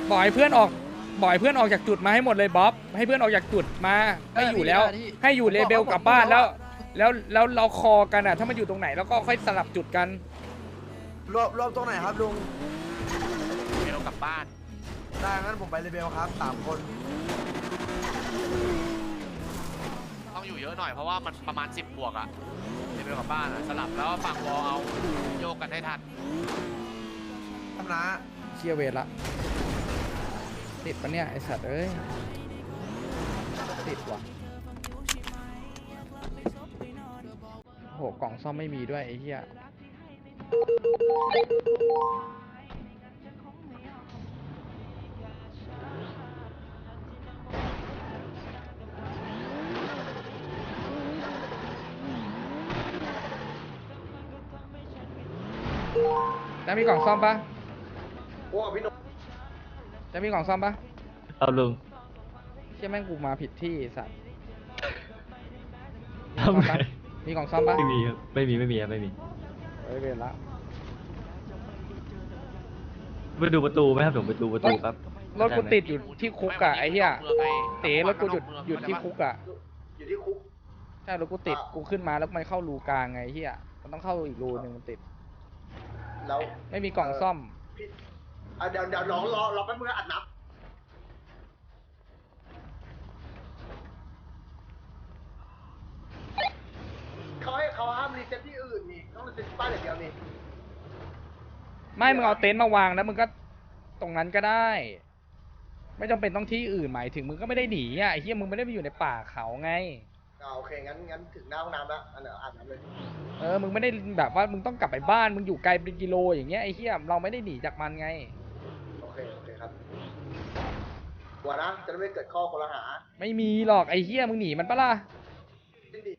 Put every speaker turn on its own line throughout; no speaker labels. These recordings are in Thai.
บอกให้เพื่อนออกบอกให้เพื่อนออกจากจุดมาให้หมดเลยบ๊อบให้เพื่อนออกจากจุดมาไม่อยู่แล้วให้อยู่เลเบลกลับบ้านแล้วเราคอกันอ่ะถ้ามันอยู่ตรงไหนแล้วก็ค่อยสลับจุดกัน
รวมตรงไหนครับลุง
เบลกลับบ้าน
ได้งั้นผมไปเลเบลครับ3 คน
ต้องอยู่เยอะหน่อยเพราะว่ามันประมาณ10 บวกอะเบลกลับบ้านอะสลับแล้วฝั่งวอลเอาโยกกันให้ทัน
ทำนะ
เชียเวทละติดปะเนี่ยไอสัตว์เอ้ยติดว่ะโหกล่องซ่อมไม่มีด้วยไอ้เหี้ยจะมีกล่องซ่อมปะ
โอ้พี่นก
จะมีกล่องซ่อมปะ
เอาลุง
เชี่ยแม่งกูมาผิดที่ไอ้สัตว์
ทำไม
มีกล่องซ่อมปะ
ไม่มีครับไม่มีครับไม่มี
เฮ้ยเวรละ
ไปดูประตูไหมครับผมไปดูประตูครับ
รถกูติดอยู่ที่คุกอะไอ้เหี้ย
เมืองไง
เต๋รถกูหยุดที่คุกอะ
อยู่ที่คุก
ใช่รถกูติดกูขึ้นมาแล้วมันเข้ารูกลางไงไอ้เหี้ยมันต้องเข้าอีกรูนึงมันติด
แล้ว
ไม่มีกล่องซ่อม
พี่เดี๋ยวรอแป๊บนึงนะอัดนับเขาห้ามรีเซ็ตที่อื่นนี่ต้องรีเซ็ตที่บ้านอย่างเดียวนี่
ไม่มึงเอาเต็นท์มาวางแล้วมึงก็ตรงนั้นก็ได้ ไม่จำเป็นต้องที่อื่นหมายถึงมึงก็ไม่ได้หนีอ่ะไอ้เหี้ยมึงไม่ได้ไปอยู่ในป่าเขาไง
โอเคงั้นถึงหน้าห้องน้ำแล้วอันเดี๋ยวอาบน้ำเลย
มึงไม่ได้แบบว่ามึงต้องกลับไปบ้านมึงอยู่ไกลเป็นกิโลอย่างเงี้ยไอ้เหี้ยเราไม่ได้หนีจากมันไง
โอเคครับกลัวนะจะได้ไม่เกิดข้อคอรหา
ไม่มีหรอกไอ้เหี้ยมึงหนีมันปะล่ะ
ดิ้นดิ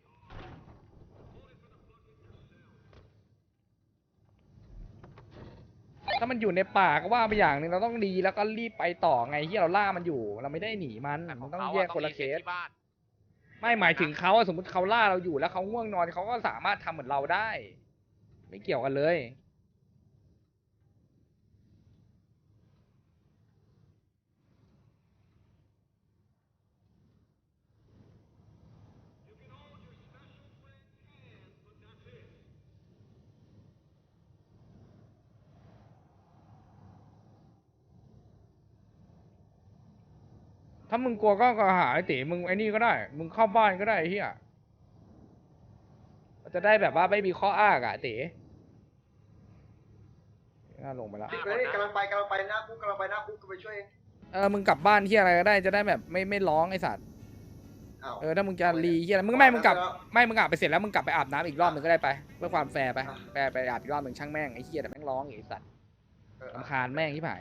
ถ้ามันอยู่ในป่าก็ว่าไปอย่างหนึ่งเราต้องดีแล้วก็รีบไปต่อไงเหี้ยเราล่ามันอยู่ เราไม่ได้หนีมันมันต้องแยกคนละเคส
ที่บ้าน
ไม่หมายถึงเขาอะสมมติเขาล่าเราอยู่แล้วเขาง่วงนอนเขาก็สามารถทำเหมือนเราได้ ไม่เกี่ยวกันเลยถ้ามึงกลัวก็หาไอ้ตีมึงไอ้นี่ก็ได้ มึงเข้าบ้านก็ได้ไอ้เฮียจะได้แบบว่าไม่มีข้ออ้างอะไอ้ตีน่าลงไปแล้ว
กำลังไปหน้าคุกกำลังไปหน้าคุกก็ไปช่วยเอง
มึงกลับบ้านเฮียอะไรก็ได้จะได้แบบไม่ร้องไอ้สัตว์
อ้าว
ถ้ามึงจะรีเฮียอะไรมึงไม่มึงกลับไปเสร็จแล้วมึงกลับไปอาบน้ำอีกรอบหนึ่งก็ได้ไปเพื่อความแฟร์ไปอาบอีกรอบหนึ่งช่างแม่งไอ้เฮียแต่แม่งร้องไอ้สัตว์รำคาญแม่งที่ผาย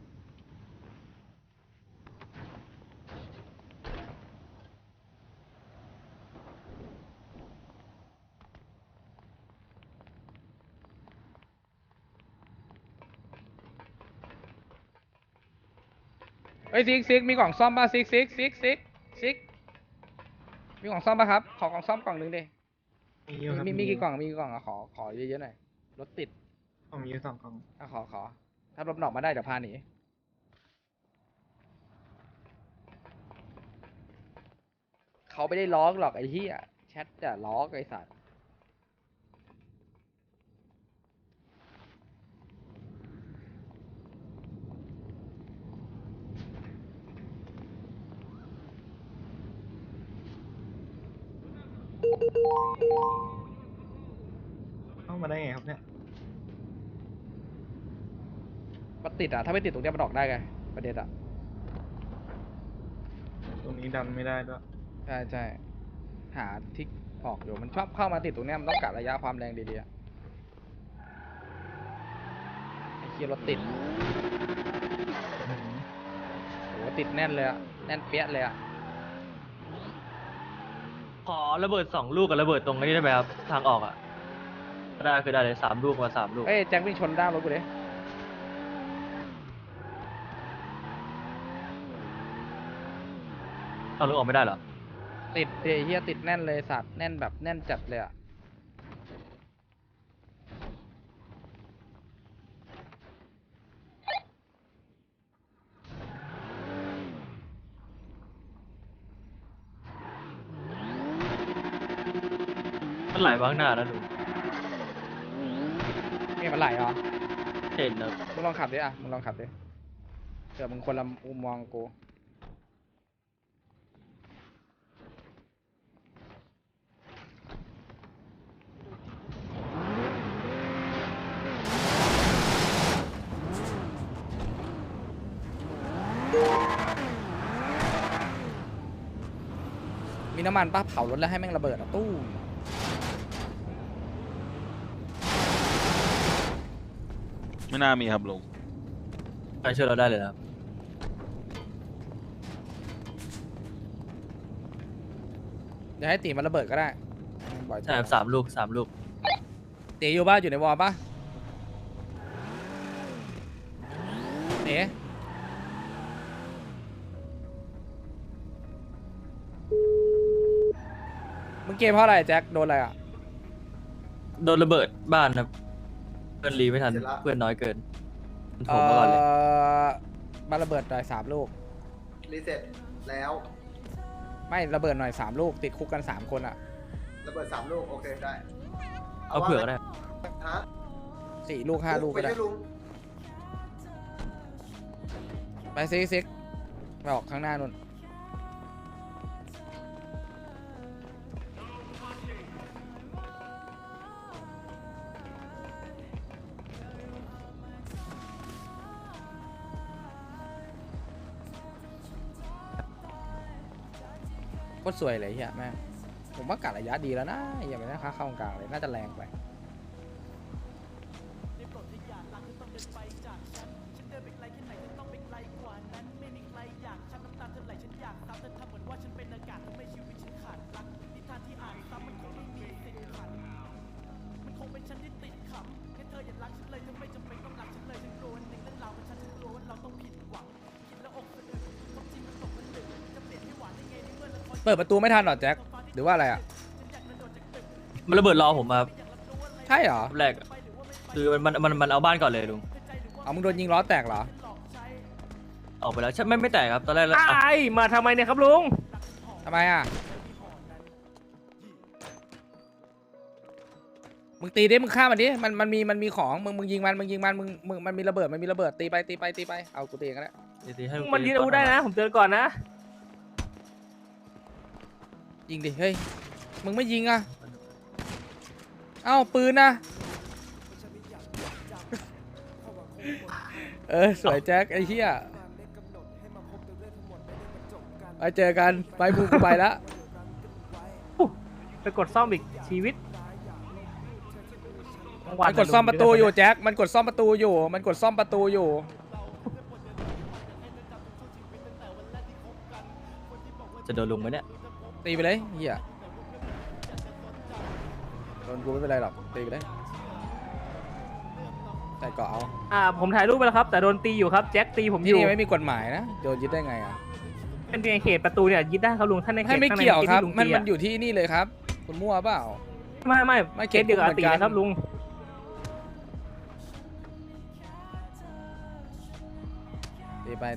เฮ้ยซิกมีกล่องซ่อมป่ะซิกมีกล่องซ่อมป่ะครับขอกล่องซ่อมกล่องหนึ่งดิมีกี่กล่องอะขอเยอะๆหน่อยรถติด
ผมมี2 กล่อง
ขอถ้ารถหนอกมาได้เดี๋ยวพาหนีเขาไม่ได้ล้อกหรอกไอ้เหี้ยแชทจะล้อกไอ้สัตว์
เข้ามาได้ไงครับเนี่ย
มันติดอ่ะถ้าไม่ติดตรงเนี้ยมันออกได้ไงประเด็นอ่ะ
ตรงนี้ดันไม่ได้ด้วย
ใช่หาทิกออกอยู่มันชอบเข้ามาติดตรงเนี้ยมันต้องกะระยะความแรงดีๆอะไอ้เคียรถติดโหติดแน่นเลยอะแน่นเปี้ยเลยอะ
ขอระเบิด2 ลูกกับระเบิดตรงนี้ได้ไหมครับทางออกอ่ะได้คือได้เลย3 ลูกมา3 ลูก
เอ้ยแจ็ควิ่งชนด้านรถกูดิ
เอาลูกออกไม่ได้เหรอ
ติดไอ้เฮียติดแน่นเลยสัตว์แน่นแบบแน่นจัดเลยอะ
มันไหลมาข้างหน้านะลุง
นี่มันไหลเหรอ
เห็นนะ
มึงลองขับดิอ่ะมึงลองขับดิเดี๋ยวมึงคนละมุมมองกูมีน้ำมันป้าเผารถแล้วให้แม่งระเบิดอ่ะตู้ม
ไม่น่ามีครับลุง
ใครช่วยเราได้เลยนะครับ
เดี๋ยวให้ตีมันระเบิดก็ได้บ่อย
ใช่ครับ3 ลูก 3 ลูก
ตีอยู่ป่ะอยู่ในวอลป่ะเต๋มึงเกมเพราะอะไรแจ็คโดนอะไรอ่ะ
โดนระเบิดบ้านครับเพื่อนรีไม่ทันเพื่อนน้อยเกินมันโถมมาก่อนเลย
บ้านระเบิดหน่อย3 ลูก
รีเซ็ตแล้ว
ไม่ระเบิดหน่อย3 ลูกติดคุกกัน3 คนอ่ะ
ระเบิด3 ลูกโอเคได้
เอาเผื่อก็ได้
ฮะ
4 ลูก 5 ลูก
ไป
ก็ได้
ด้วยลุง
ไปซิกไปออกข้างหน้านู่นโคตรสวยเลยเฮียแม่งผมว่ากะระยะดีแล้วนะอย่าไปนะค่าเข้ากลางเลยน่าจะแรงไปเปิดประตูไม่ทันหรอแจ็คหรือว่าอะไรอ่ะ
มันระเบิดรอผมมาครับ
ใช่เหรอ
แรกอะคือมันเอาบ้านก่อนเลยลุง
เอามึงโดนยิงล้อแตกเหรอ
ออกไปแล้วใช่ไม่แตกครับตอนแรกแล้ว
ไอ้มาทำไมเนี่ยครับลุง
ทำไมอ่ะ มึงตีดิมึงฆ่ามันดิมันมีของมึงยิงมันมันมีระเบิดตีไปเอากูตีกันแล้ว
ตีให้ลุง
มันยืนอาวุธได้นะ ผมเตือนก่อนนะ
ยิงดิเฮ้ยมึงไม่ยิงอ่ะเอ้าปืนนะสวยแจ็คไอ้เหี้ยไปเจอกันไปมึงกูไปละ
ไปกดซ่อมอีกชีวิต
มันกดซ่อมประตูอยู่แจ็คมันกดซ่อมประตูอยู่
จะโดนลุงไหมเนี่ย
ตีไปเลยเหี้ยโดนกูไม่เป็นไรหรอกตีไปเลยแต่ก็เอา
ผมถ่ายรูปไปแล้วครับ แต่โดนตีอยู่ครับ แจ็คตีผมอ
ที่
ยู่
นี่ไม่มีกฎหมายนะโดนยึดได้ไงอ่ะ
เป็นเพียงเขตประตูเนี่ยยึดได้ครับลุงท่านในเขต
ให้ไม่
ข้างใน
เกี่ยวครับ
ที่ลุง
มัน
ตี
มันอยู่ที่นี่เลยครับ คุณมั่วเปล่า
ไม่
ไม่
เคสเดียวกับ
เหมื
อา
อน
ตี
กัน
นะครับลุง
ตีไป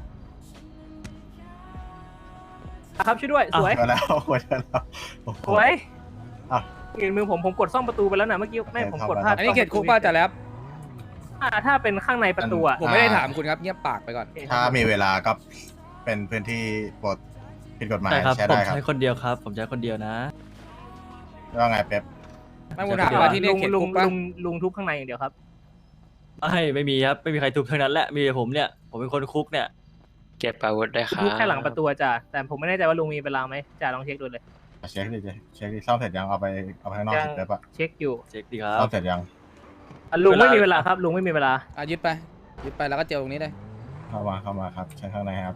ครับช่วยด้วยสวย
เจอแล้วเจอแล้วโอ้โห
สวย
อ่ะ
เห็นมือผมกดซ่อมประตูไปแล้วนะเมื่อกี้ไม่ผมกดพลาด
อันนี้เขตคุกป้าจะแล้ว
ถ้าเป็นข้างในประตูอะ
ผมไม่ได้ถามคุณครับเงียบปากไปก่อน
ถ้ามีเวลาก็เป็นพื้นที่ปลดผิดกฎหมาย
ใช่ครับ
ใช้
ผม
ได้ครับ
ใช้คนเดียวครับ ผมใช้คนเดียวนะ
ว่าไงเป๊ป
ไม่ผมถามว่าที่นี่เขต
ลุ
คุ
ง
กป้า
ลุงทุบข้างในอย่างเดียวครับ
ไม่มีครับไม่มีใครทุบทั้งนั้นแหละมีแต่ผมเนี่ยผมเป็นคนคุกเนี่ย
เก็บอาวุธได้ครับ
ทุบแค่หลังประตูจ้ะแต่ผมไม่แน่ใจว่าลุงมีเวลาไหมจ่าลองเช็คดูเลย
เช็คดิเช็คดิซ่อมเสร็จยังเอาไปข้างนอก
ยัง
เสร็จแล้วปะ
เช็คอยู่
เช็คดีครั
ซ่อบ มเสร็จยัง
ลุงไม่มีเวลาครับลุงไม่มีเวลา
ยึดไปแล้วก็เจอตรงนี้เลย
เข้ามาครับเชิญข้างในครับ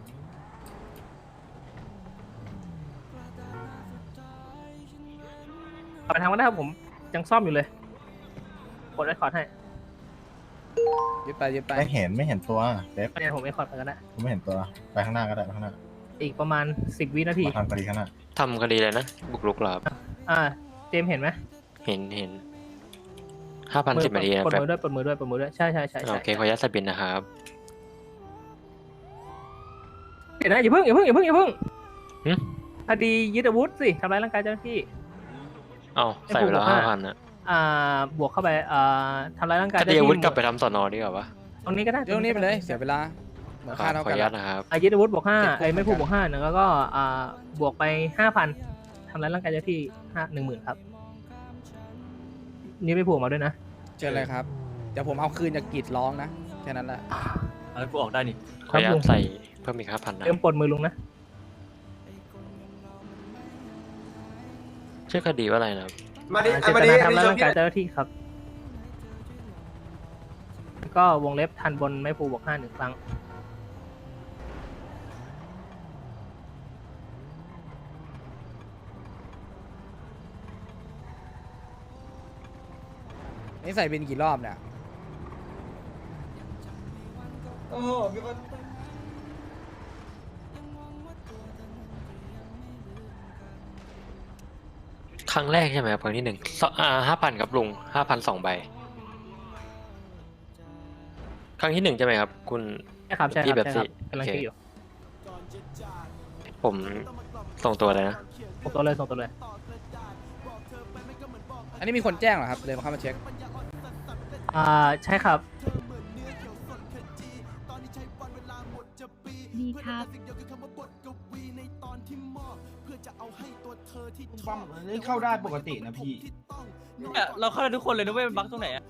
ไปทางวันได้ครับผมยังซ่อมอยู่เลยกดไอคอร์ดให้
ยึดไป
ไม่เห็นตัวเป๊ป
เนี่ยผมไอคอร์ดไปกันนะ
ผมไม่เห็นตัวไปข้างหน้าก็ได้ไปข้างหน้า
อีกประมาณ10 วินาที
มาทำคดีข้างหน้า
ทำคดีเลยนะ บุกรุกเหรอครับ
เจมส์เห็นไหม
เห็น5,010 นาทีนะ
ปลด
แป๊บ
มือด้วยใช่
โอเคขออนุญาตสบินนะครับ
เดี๋ยวนะอย่าเพิ่ง
หึ
คดียึดอาวุธสิทำร้ายร่างกายเจ้าหน้าที่
เอ้าใส่ไปแล้ว5,000นะ
บวกเข้าไปทำร้ายร่างกาย
คดีอาวุธกลับไปทำสอนอดีกว่าปะ
ตรงนี้ก็ได้
เรื่องนี้ไปเลยเสียเวลาเหมือนค่าเท่า
ขอ
กั
อน นุญาต
ละ
นะครับ
ยึดอาวุธบวก5
เจ็ดคุก
ไม่พูด
เหมื
บ
อ
วน ก
กัน
5แล้วก็บวกไป 5,000ทำร้ายร่างกายเจ้าที่10,000ครับนี่ไม่ผูกมาด้วยนะ
เชิญเลยครับเดี๋ยวผมเอาคืนจากกรีดร้องนะแค่นั้นแหละ
เอาให้กูออกได้นี่
ขออนุญา
ลุ
ต
ง
ใส่เพิ่มอีก5,000นะ
เริ่มปลดมือลุงนะ
ชื่อคดีว่าอะไรนะครับ
มาดิ
เจ
มา
ต
ดิ
นาทำร้าย
ช
ร่างกายเจ้าหน้าที่ครับแล้วก็วงเล็บทันบนไม่ผูกบวก5 1 ครั้ง
นี่ใส่เป็นกี่รอบเนี่ย
โอ้โหมีคน
ครั้งแรกใช่ไหมครับครั้งที่5,000ครับลุง5,000 2 ใบ ครั้งที่1ใช่ไหมครับ คุณ
ใช่ครับใช่ค
พี่
รับ
แบบ
ใช่ครับ
สิ
กำลัง
โอเค
คิดอยู่
ผมส่งตัวเลยนะ
ส่งตัวเลยส่งตัวเลย
อันนี้มีคนแจ้งเหรอครับเลยมาเข้ามาเช็ค
ใช่ครับ
ดีครับ
ปั๊มนี่เข้าได้ปกตินะพี่
เนี่ยเราเข้าได้ทุกคนเลยนะเว้ยมันบั๊กตรงไหนอะ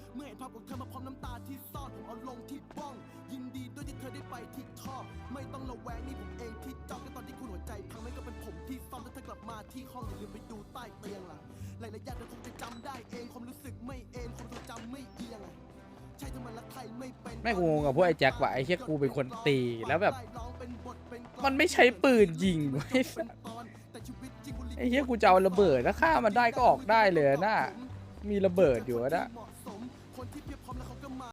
แม่งกูงงกับพวกไอ้แจ็คว่ะไอ้เชี่ยกูเป็นคนตีแล้วแบบ มันไม่ใช้ปืนยิงไว้ยไอ้เชี่ยกูจะเอาระเบิดถ้าฆ่ามันได้ก็ออกได้เลยนะมีระเบิดอยู่นะ